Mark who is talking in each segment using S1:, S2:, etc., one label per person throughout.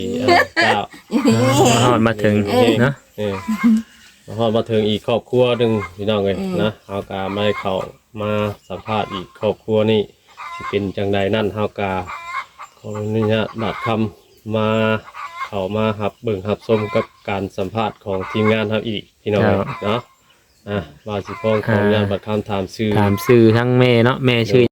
S1: เจ้า
S2: ฮอดมาถึงเนาะ
S1: ฮอดมาถึงอีกครอบครัวหนึ่งพี่น้องเลยนะเฮากาไม่เข้ามาสัมภาษณ์อีกครอบครัวนี่สิเป็นจังใดนั่นเฮากาขออนุญาตบัดคำมาเข้ามาหับเบิ่งหับชมกับการสัมภาษณ์ของทีมงานครับอีกพี่น้องเนาะว่าสิพ้องขออนุญาตบัดคำถามชื่อ
S2: ทั้งแม่เนาะแม่ชื่อ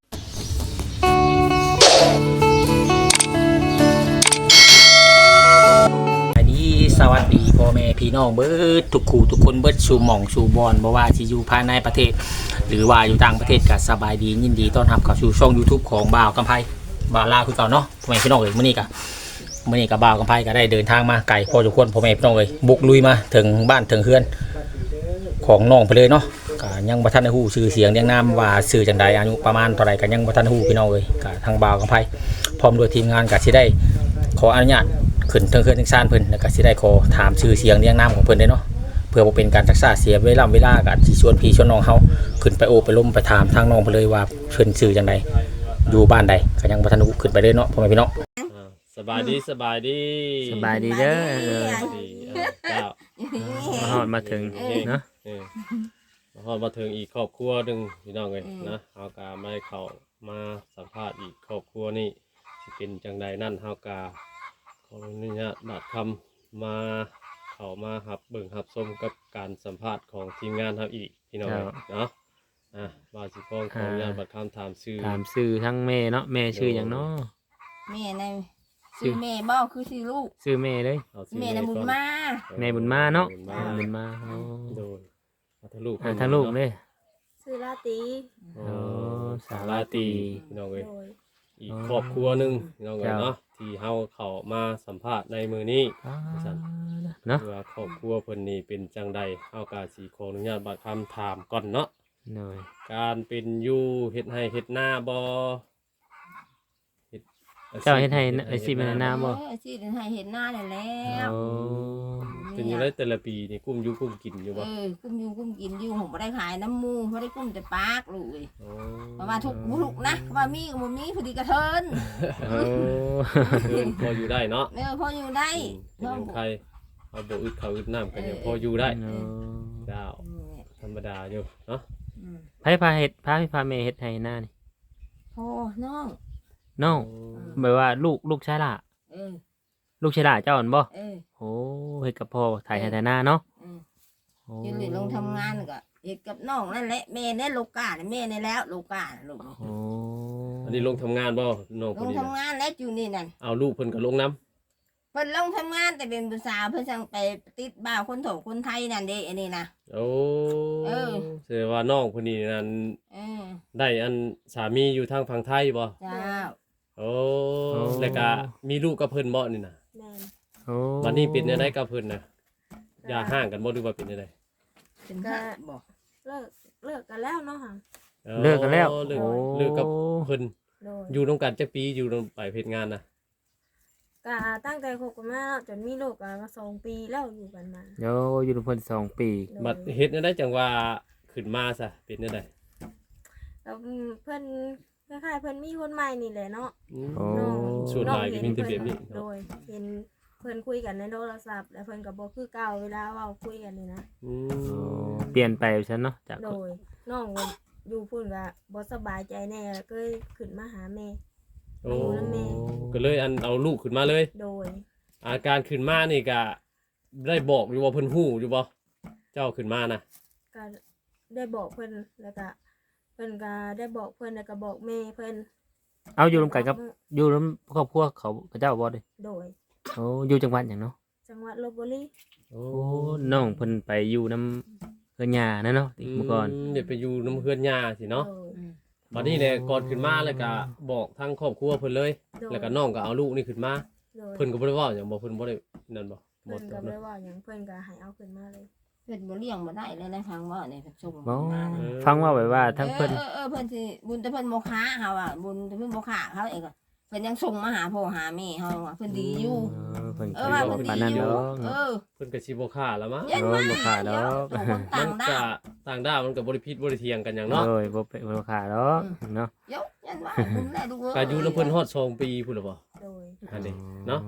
S3: สวัสดีพ่อแม่พี่น้องเบิดทุกคู่ทุกคนเบิดชูหม่องชูบอลบ่ว่าที่อยู่ภายในประเทศหรือว่าอยู่ต่างประเทศก็สบายดียินดีต้อนรับเข้าสู่ช่อง YouTube ของบ่าวกำไพบ่าวลาวคือเก่าเนาะพ่อแม่พี่น้องเอ้ยมื้อนี้ก็บ่าวกำไพก็ได้เดินทางมาไกลพอสมควรพ่อแม่พี่น้องเอ้ยบุกลุยมาถึงบ้านถึงเฮือนของน้องไปเลยเนาะก็ยังบ่ทันได้ฮู้ชื่อเสียงเรียงนามว่าชื่อจังใดอายุประมาณเท่าใดก็ยังบ่ทันฮู้พี่น้องเอ้ยก็ทางบ่าวกำไพพร้อมด้วยทีมงานก็สิได้ขออนุญาตขึ้นเทิงเฮือนเทิงซ่านเพิ่นแล้วก็สิได้ขอถามชื่อเสียงเรียงนามของเพิ่นได้เนาะเพื่อบ่เป็นการรักษาเสียเวลาก็สิชวนพี่ชวนน้องเฮาขึ้นไปโอบไปล้มไปถามทางน้องเพิ่นเลยว่าเพิ่นชื่อจังไดอยู่บ้านใดก็ยังบ่ทันรู้ขึ้นไปเลยเนาะพ่อแม่พี่น้อง
S1: สบายดี
S2: สบายดีเด้อ
S1: เจ้า
S2: ฮอดมาถึงเนาะ
S1: ฮอดมาถึงอีกครอบครัวหนึ่งพี่น้องเลยนะเฮากาไม่เข้ามาสัมภาษณ์อีกครอบครัวนี่สิเป็นจังใดนั่นเฮากาขออนุญาตบัดคำมาเข้ามาหับเบิ่งหับชมกับการสัมภาษณ์ของทีมงานครับอีกพี่น้องเลยเนาะว่าสิพ้องขออนุญาตบัดคำถามชื่อ
S2: ทั้งแม่เนาะแม่ชื่อหยังเนาะ
S4: แม่ในชื่อแม่บ่คือชื่อลูก
S2: ชื่อแม่เลย
S4: แม่น่ะบุญมา
S2: แม่บุญมาเนาะบุญมา
S1: โดนทั้งลูก
S2: เลย
S5: ชื่อลาตี
S2: สาลาตี
S1: พี่น้องเอ้ยอีกครอบครัวหนึ่งพี่น้องเอ้ยเนาะที่เฮาเข้ามาสัมภาษณ์ในมื้อนี้เนาะว่าครอบครัวเพิ่นนี่เป็นจังใดเฮาก็สิขออนุญาตบัดคำถามก่อนเนาะการเป็นอยู่เฮ็ดให้เฮ็ดนาบ่
S2: เจ้าเฮ็ดให้สิเป็นนาบ่
S4: สิเฮ็ดให้เฮ็ดนาได้แล้ว
S1: เป็นอยู่ได้แต่ละปีนี่กุ้มอยู่กุ้มกินอยู่บ่
S4: กุ้มอยู่กุ้มกินอยู่ผมบ่ได้ขายน้ำหมู่บ่ได้กุ้มแต่ปากลูกเอ้ยประมาณทุกบุกนะว่ามีก็บ่มีพอดีกระเทิน
S1: พออยู่ได้เนาะ
S4: พออยู่ได้
S1: ใครเอาบ่อึดข้าวอึดน้ำกันยังพออยู่ได้เจ้าธรรมดาอยู่เนาะ
S2: พาเฮ็ดพาแม่เฮ็ดให้นานี่
S4: พ่อน้
S2: องหมายว่าลูกชายล่ะลูกชายล่ะเจ้าอ่อนบ่โอ้เฮ็ดกับพ่อถ่ายให้แต่หน้าเนาะ
S4: ยืนลงทำงานก็เฮ็ดกับน้องนั่นแหละแม่เนี่ยลูกกาแม่เนี่ยแล้วลูกกาลูก
S1: อันนี้ลงทำงานบ่น้อง
S4: ลงทำงานแล้วอยู่นี่นั่น
S1: เอาลูกเพิ่นก็ลงน้
S4: ำเพิ่นลงทำงานแต่เป็นภาษาเพิ่นสั่งไปติดบ่าวคนโถคนไทยนั่นเด้อันนี้นะ
S1: โอ้แสดงว่าน้องคนนี้นั่นได้อันสามีอยู่ทางฝั่งไทยบ่
S4: เจ้า
S1: โอ้แล้วก็มีลูกกับเพิ่นบ่นี่น่ะวันนี้เป็นได้กับเพิ่นน่ะอย่าห่างกันบ่ดูว่าเป็นได้
S4: เป็นก็บ่
S5: เลิกกันแล้วเนาะค่ะ
S2: เลิกกันแล้ว
S1: เลิกกับเพิ่นอยู่ร่วมกันจักปีอยู่ไปเฮ็ดงานน่ะ
S5: ก็ตั้งใจคบกันมาจนมีลูกก็มา2 ปีแล้วอยู่กันมา
S2: อยู่กับเพิ่น2 ปี
S1: บัดเฮ็ดได้จังว่าขึ้นมาซะเป็นได้
S5: แล้วเพิ่นคล้ายๆเพิ่นมีคนใหม่นี่แหละเนาะ
S1: ส่วนหลายก็มีแต่แบบนี้
S5: โดยเห็นเพิ่นคุยกันในโทรศัพท์แล้วเพิ่นก็บ่คือเก่าเวลาเว้าคุยกันนี่นะ
S2: เปลี่ยนไปซั่นเนาะจาก
S5: โดยน้องอยู่พุ่นก็บ่สบายใจแน่ก็เลยขึ้นมาหาแม่อยู่นำแม่
S1: ก็เลยอันเอาลูกขึ้นมาเลย
S5: โดย
S1: อาการขึ้นมานี่ก็ได้บอกอยู่ว่าเพิ่นฮู้อยู่บ่เจ้าขึ้นมานะ
S5: ก็ได้บอกเพิ่นแล้วก็เพิ่นก็ได้บอกเพิ่นแล้วก็บอกแม่เพิ่น
S2: เอาอยู่ร่วมกันกับอยู่ร่วมครอบครัวเขาเจ้าบ่ดิ
S5: โดย
S2: อยู่จังหวัดหยังเนาะ
S5: จังหวัดลพบุรี
S2: น้องเพิ่นไปอยู่นำเฮือนย่านะเนาะเมื่อก่อน
S1: เดี๋ยวไปอยู่นำเฮือนย่าสิเนาะบัดนี้แหละก่อนขึ้นมาแล้วก็บอกทางครอบครัวเพิ่นเลยแล้วก็น้องก็เอาลูกนี่ขึ้นมาเพิ่นก็บ่ได้ว่าหยังบ่เพิ่นบ่ได้นั่นบ่
S5: เพิ่นก็บ่ได้ว่าหยังเพิ่นก็ให้เอาขึ้นมาเลย
S4: เพิ่นบ่เลี้ยงบ่ได้เลยนะฟังว่าเนี่ยส่ง
S2: มาฟังว่าแบบว่าทั้งเพิ่น
S4: เพิ่นสิบุญแต่เพิ่นบ่ค้าเฮาอ่ะบุญแต่เพิ่นบ่ค้าเขาเองก็เพิ่นยังส่งมาหาพ่อหาแม่เฮาว่าเพิ่นดีอยู่
S2: ว่า
S4: เพิ่นดีอยู่
S1: เพิ่นก็สิบ่ค้าแล้วมั้ง
S2: บ่ค้าดอก
S1: มันก็ต่างดาวมันก็บ่ได้ผิดบ่ได้เถียงกันหยังเนาะ
S2: บ่ค้าดอกเนาะ
S4: ยันว่าบุญแน่ดู
S1: ก็อยู่นำเพิ่นฮอด2 ปีพุ่นล่ะบ่
S5: โดย
S1: อันนี้เนาะ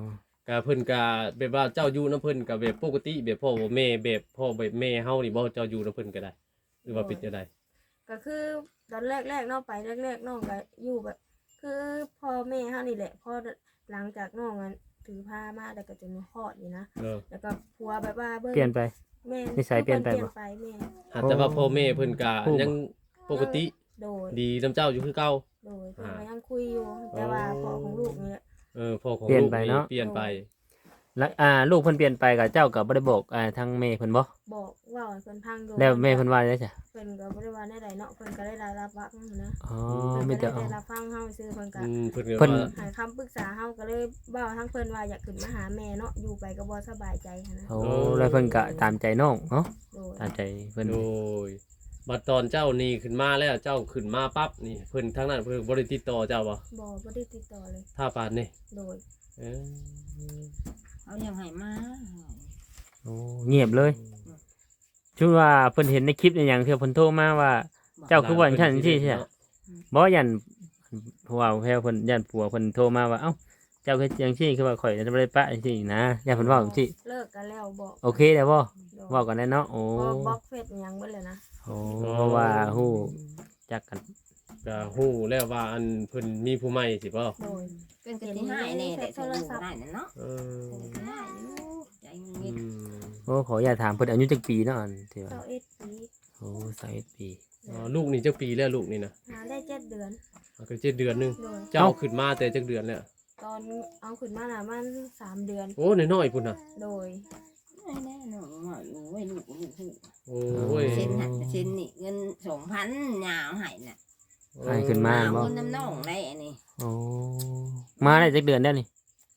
S1: ก็เพิ่นก็แบบว่าเจ้าอยู่นํเพิ่นก็แบบปกติแบบพ่อบ่แม่แบบพ่อแบบแม่เฮานี่บ่เจ้าอยู่นํเพิ่นก็ได้หรือว่าเป็นจังได๋
S5: ก็คือตอนแรกๆน้องไปแรกๆน้องก็อยู่แบบ คือพ่อแม่เฮานี่แหละพอหลังจากน้องอะถือผ้ามาแล้วก็จะมาคลอดนี่นะ แล้วก็ผัวแบบว่าเบิ่ง
S2: เปลี่ยนไป
S5: แม่
S2: นิสัยเปลี่ยนไปบ่
S5: แม่
S1: อาจจะว่าพ่อแม่เพิ่นก็ยังปกติ
S5: โดย
S1: ดีนํเจ้าอยู่คือเก่า
S5: โดยเพิ่นก็ยังคุยอยู่แต่ว่าพ่อของลูกนี่แหละ
S1: พ่อของ
S2: เปลี่ยน
S1: ลูก
S2: ไป
S1: นี่
S2: เนาะ
S1: เปลี่ยนไป
S2: แล้วลูกเพิ่นเปลี่ยนไปกับเจ้าก็บ่ได้บอกทางแม่เพิ่นบ่
S5: บอกเว่าให้เพิ่นพังดู
S2: แล้วแม่เพิ่นว่าได้จ้ะ
S5: เพิ่นก็บ่ได้ว่าแนวใดเนาะเพิ่นก็ได้รับฟังนะ
S2: อ๋อ
S5: เพิ่น
S2: มี
S5: ก็
S2: แต่
S5: ได้รับฟังเฮาซื่อเพิ่นก็
S1: เพิ่นก็
S2: เพิ่น
S1: ว่า
S5: ให้คำปรึกษาเฮาก็เลยเว้าทั้งเพิ่นว่าอยากขึ้นมาหาแม่เนาะอยู่ไปก็บ่สบายใจหั้นนะ
S2: โอ้แล้วเพิ่นก็ตามใจน้องเนาะ
S5: โดย
S2: ตามใจเพิ่น
S1: โดยบัดตอนเจ้านี่ขึ้นมาแล้วเจ้าขึ้นมาปั๊บนี่เพิ่นทั้งนั้นเพิ่นบ่ได้ติดต่อเจ้าบ่
S5: บ่ได้ติดต่อเลย
S1: ถ้าปานนี่
S5: โดย
S1: เออ
S4: เขายังให้มา
S2: โอ้เงียบเลยชื่อว่าเพิ่นเห็นในคลิปในหยังที่เพิ่นโทรมาว่า เจ้าคือว่าฉันสิใช่บ่ยันเพราะว่าแพรวเพิ่นยันผัวเพิ่นโทรมาว่าเอ้าเจ้าคือจังซี่คือว่าข่อยจะบ่ได้ปะจังซี่นะยันเพิ่นเว้าจังซี่
S5: เลิกกันแล้วบอก
S2: โอเคแล้วบ่
S5: โดย
S2: เว้ากันได้เนาะโอ้
S5: พอบล็อกเฟซอิหยังเบิดเลยนะ
S2: โอ้เพราะว่าฮู้จักกัน
S1: ก็ฮู้แล้วว่าอันเพิ่นมีผู้ใหม่สิบ่
S5: โดย
S4: เป็นกะทิให้แน่แต่โทรศัพท์ได้นั่นเนาะ
S1: เออ
S4: เป็นกะทิให้อยู่ใจเงิ
S1: อื
S4: น
S1: ม
S2: โอ้ขออย่าตถามเพิ่นอายุจักปีเนาะอันที่ว่า
S5: 21ปี
S2: โอ้21ปี
S1: อ๋อลูกนี่จักปีแล้วลูกนี่นะ
S5: หาได้7เดือน
S1: ก็7เดือนหนึง
S5: โดย
S1: เจ้าขึ้นมาแต่จักเดือนแล้ว
S5: ตอนเอาขึ้นมาน่ะมัน3เดือน
S1: โอ้น้อยๆพุ่นน่ะ
S5: โดย
S4: ไม่แน่หนูว่าอยู่ไว้ลูก
S1: โอ้ย
S4: เซ็นหันเซ็นนี่เงิน2,000ยาวให้น่ะ
S2: ให้ขึ้นมา
S4: เอา
S2: บ่
S4: เงินน้ำน้องได้อันนี้
S2: โอ้มาได้จักเดือนแล้วนี่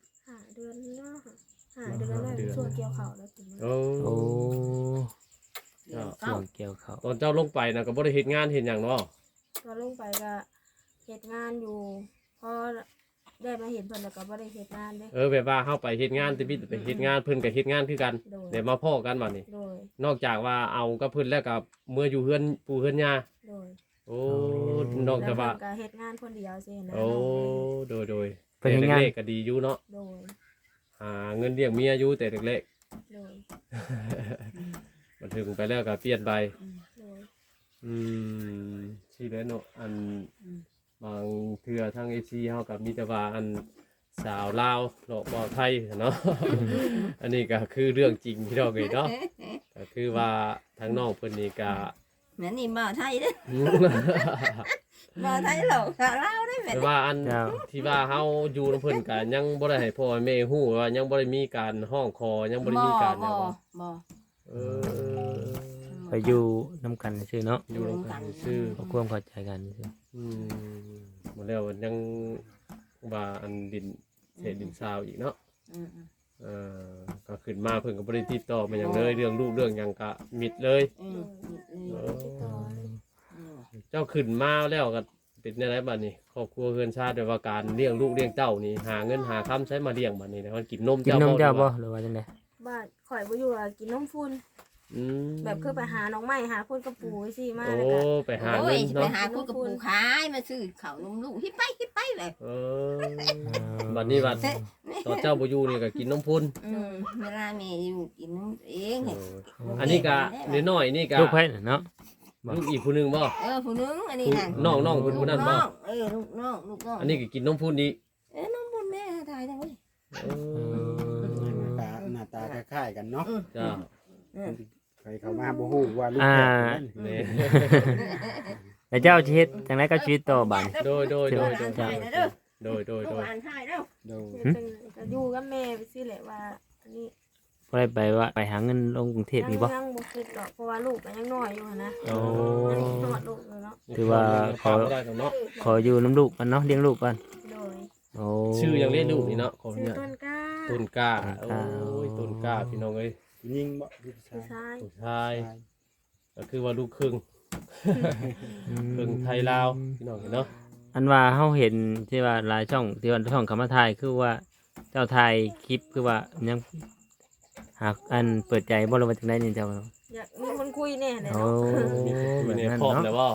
S5: 5เดือนเนาะ5เดือนแล้วช่วงเกี่ยวข้าวแล้วถึง
S1: โอ้
S2: โอ้
S4: เดือน
S2: ช่
S4: เก้าว
S2: งเกี่ยวเขาว
S1: ตอนเจ้าลงไปนะก็บ่ได้เฮ็ดงานเฮ็ดหยังเนาะ
S5: ก็ลงไปก็เฮ็ดงานอยู่พอได้มาเห็นเพิ่นแล้วก็บ่ได้เฮ็ดงานเด้
S1: แบบว่าเฮาไปเฮ็ดงานแต่บิดไปเฮ็ดงานเพิ่นก็เฮ็ดงานคือกัน
S5: โดย
S1: เดี๋ยวมาพ้อกันบัดนี้
S5: โดย
S1: นอกจากว่าเอากับเพิ่นแล้วก็เมื่ออยู่เฮือนปู่เฮือนย่า
S5: โดย
S1: โอ้นอกจากว่า
S5: แล้วเพิ่นก็เฮ็ดงานคนเดียวสินะ
S1: โอ้โดย
S2: เพิ่นเฮ็ดงาน
S1: แต่เล็กๆก็ดีอยู่เนาะ
S5: โดย
S1: หาเงินเลี้ยงเมียอยู่แต่เล็ก
S5: โดย
S1: ๆมันถึงไปแล้วก็เปลี่ยนไป
S5: โดย
S1: อืมสิแล้วเนาะอันบางเทื่อทาง AC เฮาก็มีแต่ว่าอันสาวลาวเนาะบ่ไทยเนาะ อันนี้ก็คือเรื่องจริงที่เราเอ้ยเนาะก็คือว่าทางน้องเพิ่นนี่ก็
S4: แม่นี่บ่าวไทยเด้อบ่าวไทยหรอกสาวลาวได้แม่
S1: แต่ว่าอัน
S2: เจ้า
S1: ที่ว่าเฮาอยู่นำเพิ่นก็ยังบ่ได้ให้พ่อแม่ฮู้ว่ายังบ่ได้มีการห้องคอยังบ่ได้มีการหยังว่า
S4: บ่
S1: เออ
S2: ไปอยู่นํกันซื่อเนาะ
S1: อยู่นำกันซื่อ
S2: ขอความเข้าใจกันซื่อ
S1: อืมบ่แล้วยังว่าอันดินเศษดินซาวอีกเนาะ
S4: อืม
S1: เออก็ขึ้นมาเพิ่นก็บ่ได้ติดต่อมาหยังเลยเรื่องลูกเรื่องหยังก็มิดเลย
S4: อืม
S5: ติดต่อ
S1: เจ้าขึ้นมาแล้วก็เป็นจังไดบัดนี้ครอบครัวเฮือนชาติแบบว่าการเลี้ยงลูกเลี้ยงเต้านี่หาเงินหาค้ำใช้มาเลี้ยงบัดนี้นะมันกินนม
S2: กิน
S1: เจ้าน
S2: มเจ้าบ่
S1: หรือว่
S2: หรือว่าจังได๋
S5: บ้านข่อยบ่อยู่อะกินนมฟุ้น
S1: อืม
S5: แบบคือไปหาน้องใหม่หาคนกระปูไว้สิมา
S1: โอ้
S5: แล้วก็
S1: ไปหา
S4: โอ้
S1: เงิ
S4: ย
S1: น
S4: ไป
S1: เนาะ
S4: หาคุยกับปู่ขายมาซื้อข้าวนมลูกฮิปไปเลย
S1: เออบัดนี้บัดตอนเจ้าบ่อยู่นี่ก็กินนมพุ่น
S4: เวลาแม่อยู่กินนมเอง
S1: เอออันนี้ก็น้อยๆนี่ก็
S2: ลูกไผน่ะเนาะ
S1: ลูกอีกผู้หนึงบ่
S4: ผู้นึงอันนี้น่ะ
S1: น้องๆเพิ่นผู้นั้นบ่
S4: ลูกน้องลูกน้อง
S1: อันนี้ก็กินนมพุ่นอีก
S4: นมบุญแม่ทายจังเว้ย
S1: เออ
S6: หน้าตาคล้ายๆกันเนาะ
S1: จ้า
S6: ใครเข้ามาบ่ฮู้ว่าลูก
S2: อ่า
S6: แฝดกัน
S1: นี่
S2: แล้วเจ้าสิเฮ็ดจังไดกับชีวิตต่อบัดนี้
S1: โดย
S4: โดย
S1: โดย
S4: อ่านทายแล้ว
S6: โดย
S5: ก็อยู่กับแม่ไปสิแหละว่าอันนี้
S2: บ่ได้ไปว่าไปหาเงินลงกรุงเทพนี่บ่
S5: ยังบ่คิดหรอกเพราะว่าลูกก็ยังน้อยอยู่หั้นนะ
S1: โอ้
S5: ยังนอดลูกอยู่เนาะ
S2: ถือว่า
S1: ขอได้เนาะ
S2: ขออยู่น้ำลูกกันเนาะเลี้ยงลูกก่อน
S5: โดย
S2: โอ้
S1: ชื่อยังเรียกลูกนี่เนาะขอ
S5: ชื่อ
S1: เนี่ย
S5: ต้นกล้า
S1: ต้นกล้าโอ้ยต้นกล้าพี่น้องเอ้ย
S6: ยิงบ่ลูก
S5: ผู้
S6: ชาย
S5: ชาย
S1: ผู้ชายก็คือว่าลูกครึ่งครึ่งไทยลาวพี่น้องเห็นเนาะ
S2: อันว่าเฮาเห็นที่ว่าหลายช่องที่ว่าช่องคำว่าถ่ายคือว่าเจ้าถ่ายคลิปคือว่ายังหากอันเปิดใจบ่รู้ว่าจังได๋นี่เจ้า
S5: อยากมีคนคุยแน่เลย
S2: โอ้
S5: เนาะ
S2: แบ
S1: วัน
S2: บ
S1: นี้
S2: นั้น
S1: พร้อม
S2: เนาะ
S1: แล้วว่า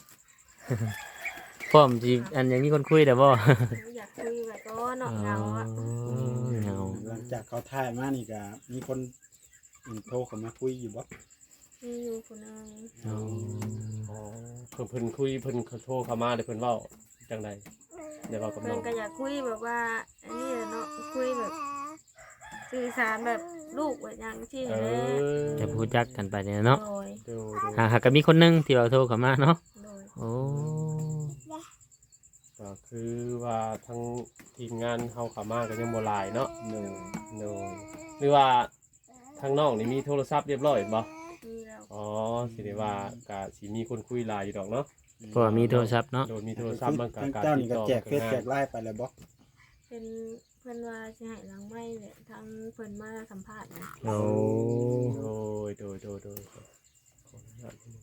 S2: พร้อมสิอันยังมีคนคุยแต่บ่
S5: อยากคุยแบบก็เนาะเหงาอ่ะ
S2: เหงา
S6: เรื่องจากเขาถ่ายมานี่ก็มีคนโทรเข้ามาคุยอยู่บ่
S5: มีอยู่คนนึง
S1: อ๋อเพิ่นคุยเพิ่นโทรเข้ามาเด้เพิ่นเว้าจังใดได้เว้ากับ
S5: เพิ่
S1: น้
S5: น
S1: อง
S5: ก็อยากคุยแบบว่าอันนี้แหละเนาะคุยแบบสื่อสารแบบลูกแบบอย่างที่
S1: เอ
S5: แหละ
S1: อ
S2: จะพูดจักกันไปเนี่ยเนาะ
S5: โดย
S1: ดู
S2: หากก็มีคนหนึงที่เราโทรเข้ามาเนาะ
S5: โดย
S2: โอ้
S1: ก็คือว่าทั้งทีมงานเฮาเข้ามาก็ยังบ่หลายเนาะหรือว่าทางน้องนี่มีโทรศัพท์เรียบร้อยบ่
S5: มีแล้ว
S1: อ๋อสิได้ว่าก็สิมีคนคุยหลายอยู่ดอกเนาะ
S2: เพราะว่ามีโทรศัพท์เนาะ
S1: โดนมีโทรศัพท์มันก็
S6: ทาง
S1: การ
S6: เจ้า
S1: ติ
S6: นี่
S1: ด
S6: ก็
S1: ต่อ
S6: แจกเฟซ
S1: ง่าย
S6: แจกไลน์ไปแล้วบ่
S5: เป็นเพิ่นว่าสิให้หลังไม้แหละทางเพิ่นมาสัมภาษณ์นะ
S2: โอ้
S1: โดยขออนุญาตนิดนึง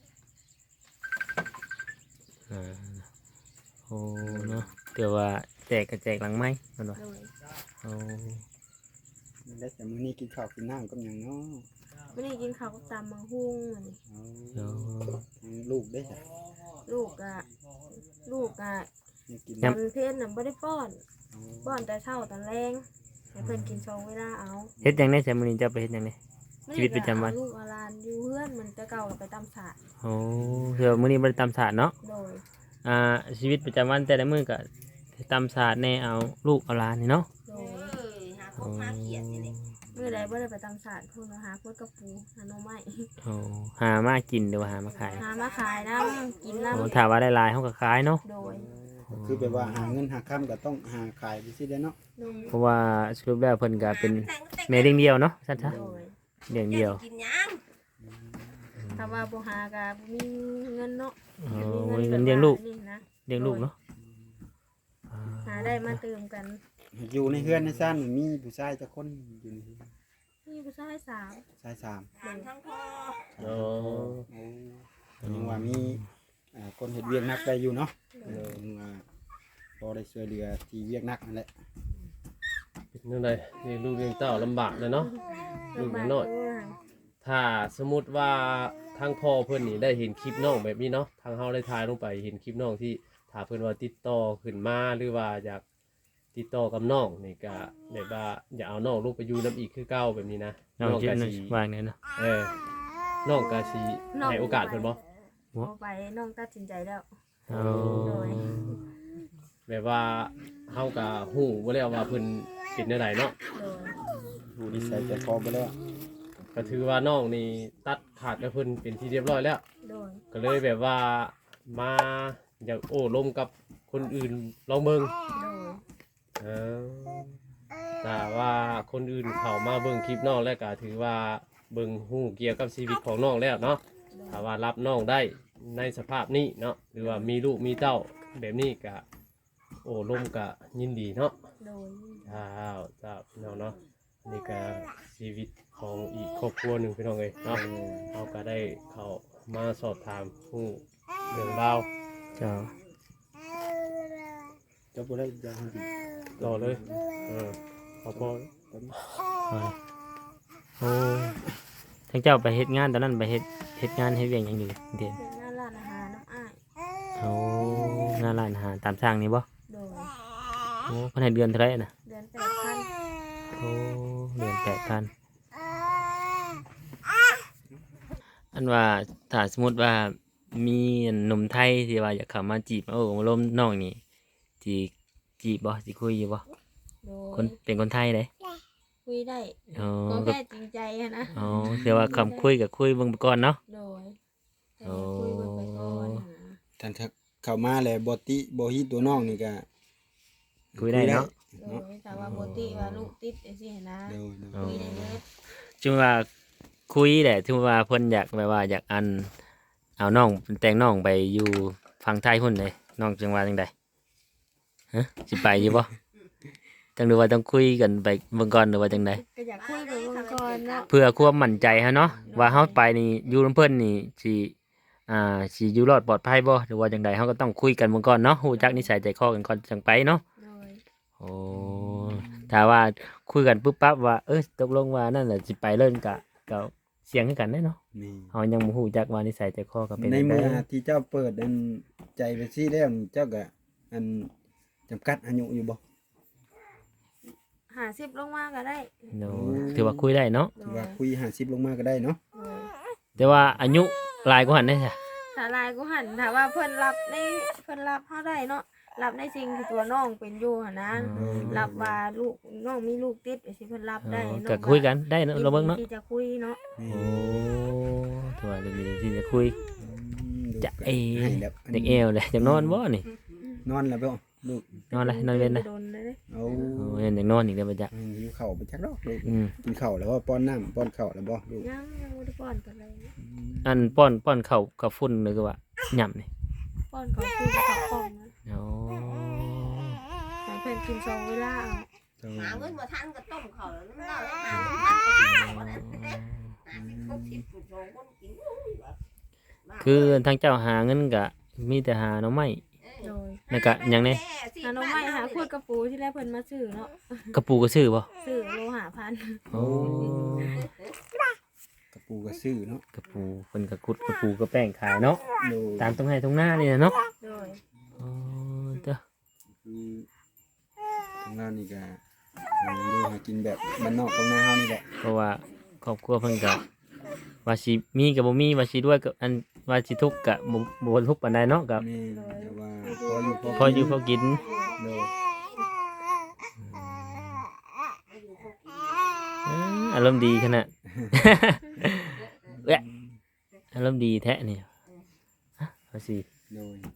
S2: อ่าโอ้เนาะเดี๋ยวว่าแจกก็แจกหลังไม้เพิ่นว่า
S5: โดย
S2: โอ้
S6: แล้วแต่มื้อนี้กินข้าวกินน้ำกับหยังเนาะ
S5: ไม่ได้กินข้าวกับตำมังหุ้งเหมือน
S6: เอา
S2: โอ้
S6: ทางลูกได้จ้ะ
S5: ลูกอะ
S6: นี่กิน
S5: ตอนเพลนน่ะบ่ได้ป้อน
S6: เอา
S5: ป้อนแต่เช้าตอนแรงให้เพิ่นกิน2เวลาเอา
S2: เฮ็ดหยังได้แต่มื้อนี้จะไปเฮ็ดหยังได้ ชีวิตประจำวัน
S5: ลูกเอาหลานอยู่เฮือนมันแต่เก่าก็ไปตำสาด
S2: โอ้เดี๋ยวมื้อนี้บ่ได้ตำศาสตร์เนาะ
S5: โดย
S2: ชีวิตประจำวันแต่ละมื้อก็ตำศาสตร์แน่เอาลูกเอาหลานนี่เนาะ
S5: โด
S4: เอย อหาพวกหาเขียดนี่แหละ
S5: มื้อใดบ่ได้ไปตำสาดเพิ่นก็หาพวกกระปูหาหน่อไม้
S2: โอ้หามากินหรือว่าหามาขาย
S5: หามาขายน้ำกิน
S2: โอ้
S5: น้ำ
S2: ถ้าว่าได้หลายเฮาก็ขายเนาะ
S5: โดย
S6: คือแบบว่าหาเงินหาค่ำก็ต้องหาขายไปสิได้เนาะ
S5: โดย
S2: เพราะว่าสรุปแล้วเพิ่นก็เป็นแม่เลี้ยงเดียวเนาะซั่นซะ
S5: โดย
S2: เลี้ยงเดียว
S4: กินหยัง
S5: ถ้าว่าบ่หาก็บ่มีเงินเนาะ
S2: โอ้
S5: มี
S2: เงินเลี้ยงลูก
S5: นี่นะ
S2: เลี้ยงลูกเนาะ
S5: หาได้มาเติมกัน
S6: อยู่ในเฮือนในซ่านมีผู้ชายจักคนอยู่ในเฮือน
S5: นี่ผู้ชายสาว
S6: ชายสาม
S4: ถามทั้งพ่อ
S1: อ๋อ
S6: โอ้ยังว่ามีคนเฮ็ดเวียกหนักได้อยู่เนาะว่าพอได้ช่วยเหลือที่เวียกหนักนั่นแหละ
S1: เป็นจังไดนี่ลูกเลี้ยงเต้าลำบากเลยเนาะ ลูกน้อย
S5: เออ
S1: ถ้าสมมุติว่าทางพ่อเพิ่นนี่ได้เห็นคลิปน้องแบบนี้เนาะทางเฮาได้ถ่ายลงไปเห็นคลิปน้องที่ถ้าเพิ่นว่าติดต่อขึ้นมาหรือว่าอยากติดต่อกับน้องนี่ก็แบบว่าอย่าเอาน้องลงไปอยู่นํอีกคือเก่าแบบนี้นะ
S2: น้องคิด
S1: ก็
S2: นะ
S1: สิ
S2: ว่าไงเนาะ
S1: น้องก็สิให้โอกาสเพิ่นบ่
S5: เอาไปน้องตัดสินใจแล้ว
S2: โอ้
S5: โดย
S1: แบบว่าเฮาก็ฮู้บ่แล้วว่าเพิ่นเป็นจังไดเนาะ
S5: โดย
S6: ผู้ที่ใส่ใจคอไปแล้ว
S1: ก็ถือว่าน้องนี่ตัดขาดกับเพิ่นเป็นที่เรียบร้อยแล้ว
S5: โดย
S1: ก็เลยแบบว่ามาอยากโอ้ลมกับคนอื่นลองเบิ่ง
S5: โดย
S1: เออแต่ว่าคนอื่นเข้ามาเบิ่งคลิปน้องแล้วก็ถือว่าเบิ่งฮู้เกี่ยวกับชีวิตของน้องแล้วเนาะถ้าว่ารับน้องได้ในสภาพนี้เนาะหรือว่ามีลูกมีเต้าแบบนี้ก็โอ้ลมก็ยินดีเนาะ
S5: โดย
S1: จ้าพี่น้องเนาะอันนี่ก็ชีวิตของอีกครอบครัวหนึ่งพี่น้องเลยเนาะเราก็ได้เข้ามาสอบถามผู้เรื่องราว
S2: เจ้า
S6: เจ้าบ่ได้ยาให้ดี
S1: ต่อเลยพอ
S2: โอ้ทั้งเจ้าไปเฮ็ดงานตอนนั้นไปเฮ็ดงานเฮ็ดเวียงหยังอยู่เด่น
S5: เป็นหน้าร้านอาหารน้ำอ้าย
S2: โอ้หน้าร้านอาหารตามสั่งนี่บ่
S5: โดย
S2: โอ้เพิ่นให้เดือนเท่าไหร่น่ะ
S5: เดือน8,000
S2: โอ้เดือน8,000อันว่าถ้าสมมุติว่ามีหนุ่มไทยที่ว่าอยากเข้ามาจีบโอ้มาล้มน้องนี่จีบบ่สิคุยอยู่บ่
S5: โด
S2: คน
S5: ย
S2: เป็นคนไทยเด้
S5: คุยได้
S2: อ๋อ
S5: ก็
S2: ก็
S5: แค่จริงใจอะนะ
S2: อ๋อแต่ว่าคำคุยกับคุยเบิ่งไปก่อนเนาะ
S5: โดยแต่
S2: โอ้
S5: คุยเบิ่งไปก่อนนะ
S6: ท่านถ้าเข้ามาแล้วบ่ฮิตตัวน้องนี่ก็
S2: คุยได้เนาะ
S5: โดยแต่ว่าโมติว่าลูกติดจังซี่นะ
S6: เดี๋ยว
S2: อ๋อ
S5: คุยได้เยอะ
S2: จึงว่าคุยแหละถึงว่าเพิ่นอยากแบบว่าอยากเอาน้องแต่งน้องไปอยู่ฝั่งไทยพุ่นเลยน้องจังว่าจังใดฮะสิไปอยู่บ่จังหรือว่าต้องคุยกันไปเบิ่งก่อนหรือว่าจังใด
S5: ก็อยากคุยไปเบิ่งก่อนเนาะ
S2: เพื่อความมั่นใจเฮาเนาะว่าเฮาไปนี่อยู่นำเพิ่นนี่สิอยู่รอดปลอดภัยบ่หรือว่าจังใดเฮาก็ต้องคุยกันเบิ่งก่อนเนาะฮู้จักนิสัยใจคอกันก่อนจังไปเนาะ
S5: โดย
S2: โอ้ถ้าว่าคุยกันปุ๊บปั๊บว่าตกลงว่านั่นแหละสิไปเล่นก็เสียงคือกันได้เนาะ
S6: นี่
S2: เฮายังบ่ฮู้จักว่านิสัยใจคอก็เป็น
S6: ใน
S2: จัง
S6: เมื่อ
S2: ได
S6: ที่เจ้าเปิดอันใจไปซี่แล้วนี่เจ้าก็อันจำกัดอายุอยู่บ่
S5: ห 50ลงมาก็ได้
S2: โดถือว่าคุยได้เนาะ
S6: ถือว่าคุย50ลงมาก็ได้เนาะ
S5: โดย
S2: แต่ว่าอายุหลายกว่าหันได้จ้ะ
S5: ถ้าลายกูหันถ้าว่าเพิ่นรับเฮาได้เนาะรับในสิ่งที่ตัวน้องเป็นอยู่หั่นนะรับว่าลูกน้องมีลูกติดสิเพิ่นรับได้น้อง
S2: ก็คุยกันได้เนาะเราเบิ่งเนาะ
S5: ที่จะคุยเนาะ
S2: โอ้ถือว่าดีที่จะคุยจะเอ
S6: ให้แบบ
S2: เด็กเอวเลยจะนอนบ่นี่
S6: นอนแล้วบ่ลูก
S2: นอนเลยนอนเว้นนะ
S5: โดนเลย
S6: เอา
S2: โอ้ยอยากนอนอีกแล้วบ่จ๊ะ
S6: หิวข้าวไปจักดอกลูก
S2: อืม
S6: กินข้าวแล้วบ่ป้อนน้ำป้อนข้าวแล้วบ่ลูก
S5: ยังบ่ได้ป้อนกันเลย
S2: อันป้อนข้าวกับฝุ่นเลยก็ว่าหย่ำนี่
S5: ป้อนเขาคุยกับเขากล่องนะ
S2: โอ้
S5: ให้เพิ่นกิน2เวลาเอา
S4: หาเงินมาทันก็ต้มเขาแล้วนั่นเราหาเงินทันก็ต้มเขาแล้วหาสิบคนสองคนกิน
S2: คือทางเจ้าหาเงินก็มีแต่หาหน่อไม้
S5: โดย
S2: แล้วก็หยังนี่
S5: หาน้องใหม่หาขวดกระปูที่แรกเพิ่นมาซื้อเนาะ
S2: กระปูก็ซื้อบ่
S5: ซื้อโลหะพัน
S2: โอ้
S6: กระปูกระซื้อเนาะ
S2: กระปูเพิ่นก็ขุดกระปูก็แป้งขายเนาะ
S6: โดย
S2: ตามตรงไหนตรงหน้านี่นะเนาะ
S5: โดย
S2: โอ้เด้อ
S6: คือทางเรานี่ก็ดูหากินแบบบ้านนอกตรงหน้าเฮานี่แหละ
S2: เพราะว่าครอบครัวเพิ่นก็ว่าสิมีก็บ่มีว่าสิด้วยก็อันว่าสิทุกข์ก็บ่ทุกข์ปานใดเนาะก็
S6: แม่แต่ว่าพออยู่
S2: พออยู่พอกิน
S6: โดย
S2: อารมณ์ดีขนาด เอ้ยอารมณ์ดีแท้เนี่ยฮะเอาสิ
S6: โดย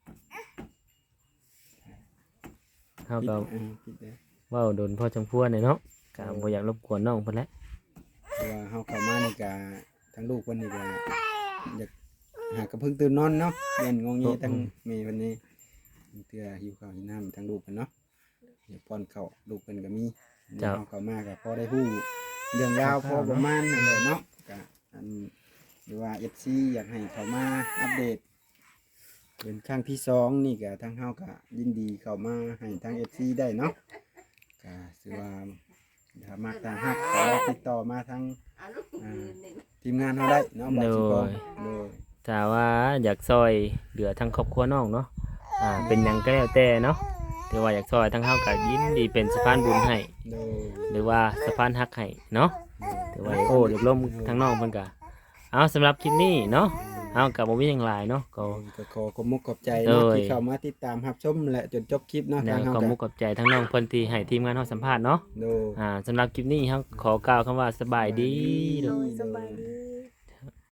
S2: เฮาก็
S6: คิดได้
S2: เว้าโดนพ่อจังพัวเนี่ยเนาะก็บ่อยากรบกวนน้องเพิ่นแหละ
S6: เพราะว่าเฮาเข้ามานี่ก็ทั้งลูกเพิ่นนี่ก็อยากหากระเพิ่งตื่นนอนเนาะเรียนงงงี้ทั้งแม่เพิ่นนี่เทื่อหิวข้าวหิวน้ำทั้งลูกเพิ่นเนาะอยากป้อนข้าวลูกเพิ่นก็มีเฮาเข้ามาก็พอได้ฮู้เรื่องราวพอประมาณนั่นแหละเนาะก็อันหรือว่า FC อยากให้เข้ามาอัปเดตเป็นครั้งที่สองนี่ก็ทางเฮาก็ยินดีเข้ามาให้ทาง FC ได้เนาะก็ถือว่าถ้ามักตาฮักขอติดต่อมาทางทีมงานเฮาได้เนาะบ่สิบ่โดย
S2: ถ้าว่าอยากซอยเหลือทั้งครอบครัวน้องเนาะเป็นหยังก็แล้วแต่เนาะแต่ว่าอยากซอยทั้งเฮาก็ยินดีเป็นสะพานบุญให้
S6: โดย
S2: หรือว่าสะพานฮักให้เนาะแต่ว่าโอ้เรียบร่มทั้งน้องเพิ่นก็เอาสำหรับคลิปนี้เนาะเฮาก็บ่มีหยังหลายเนาะก็
S6: ก็ขอขอบมุกขอบใจเนาะ
S2: โดย
S6: ที่เข้ามาติดตามรับชมและจนจบคลิปเนาะ
S2: แล้
S6: ทาง
S2: ว
S6: เฮา
S2: ก็
S6: ก็
S2: มุกกับใจทั้งน้องเพิ่นที่ให้ทีมงานเฮาสัมภาษณ์เนาะ
S6: โดย
S2: สำหรับคลิปนี้เฮาขอกล่าวคำว่าสบายดี
S5: โดยสบายดี